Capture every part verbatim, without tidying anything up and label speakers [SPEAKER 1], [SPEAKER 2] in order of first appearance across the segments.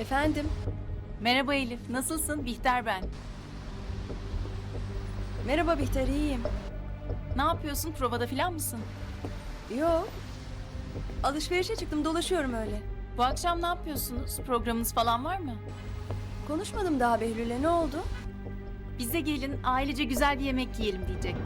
[SPEAKER 1] Efendim?
[SPEAKER 2] Merhaba Elif, nasılsın? Bihter ben.
[SPEAKER 1] Merhaba Bihter, iyiyim.
[SPEAKER 2] Ne yapıyorsun? Provada falan mısın?
[SPEAKER 1] Yo. Alışverişe çıktım, dolaşıyorum öyle.
[SPEAKER 2] Bu akşam ne yapıyorsunuz? Programınız falan var mı?
[SPEAKER 1] Konuşmadım daha Behlül'le, ne oldu?
[SPEAKER 2] Bize gelin, ailece güzel bir yemek yiyelim diyecektim.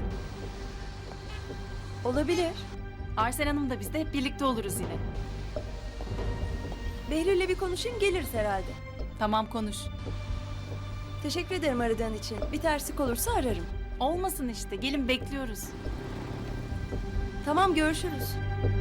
[SPEAKER 1] Olabilir.
[SPEAKER 2] Arsen Hanım da biz de hep birlikte oluruz yine.
[SPEAKER 1] Behlül'le bir konuşayım, geliriz herhalde.
[SPEAKER 2] Tamam konuş.
[SPEAKER 1] Teşekkür ederim aradığın için. Bir terslik olursa ararım.
[SPEAKER 2] Olmasın işte, gelin bekliyoruz.
[SPEAKER 1] Tamam, görüşürüz.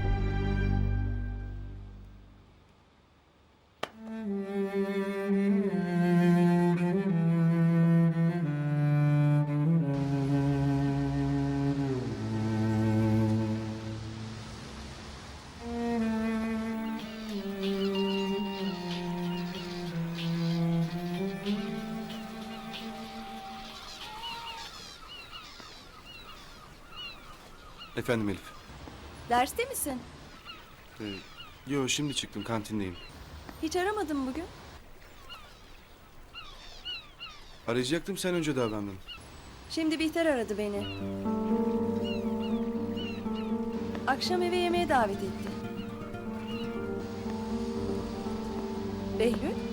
[SPEAKER 3] Efendim Elif.
[SPEAKER 1] Derste misin?
[SPEAKER 3] Ee, yo şimdi çıktım, kantindeyim.
[SPEAKER 1] Hiç aramadın bugün.
[SPEAKER 3] Arayacaktım, sen önce davrandın.
[SPEAKER 1] Şimdi Bihter aradı beni. Akşam eve yemeğe davet etti. Behlül,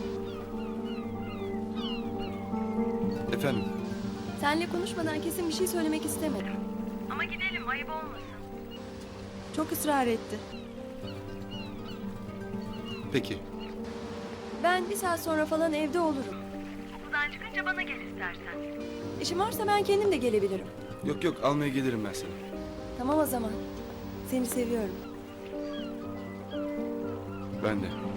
[SPEAKER 3] Efendim.
[SPEAKER 1] seninle konuşmadan kesin bir şey söylemek istemedim. Ama gidelim, ayıp olmasın. Çok ısrar etti.
[SPEAKER 3] Peki.
[SPEAKER 1] Ben bir saat sonra falan evde olurum.
[SPEAKER 4] Okuldan çıkınca bana gel istersen.
[SPEAKER 1] İşim varsa ben kendim de gelebilirim.
[SPEAKER 3] Yok yok, almaya gelirim ben seni.
[SPEAKER 1] Tamam o zaman. Seni seviyorum.
[SPEAKER 3] Ben de.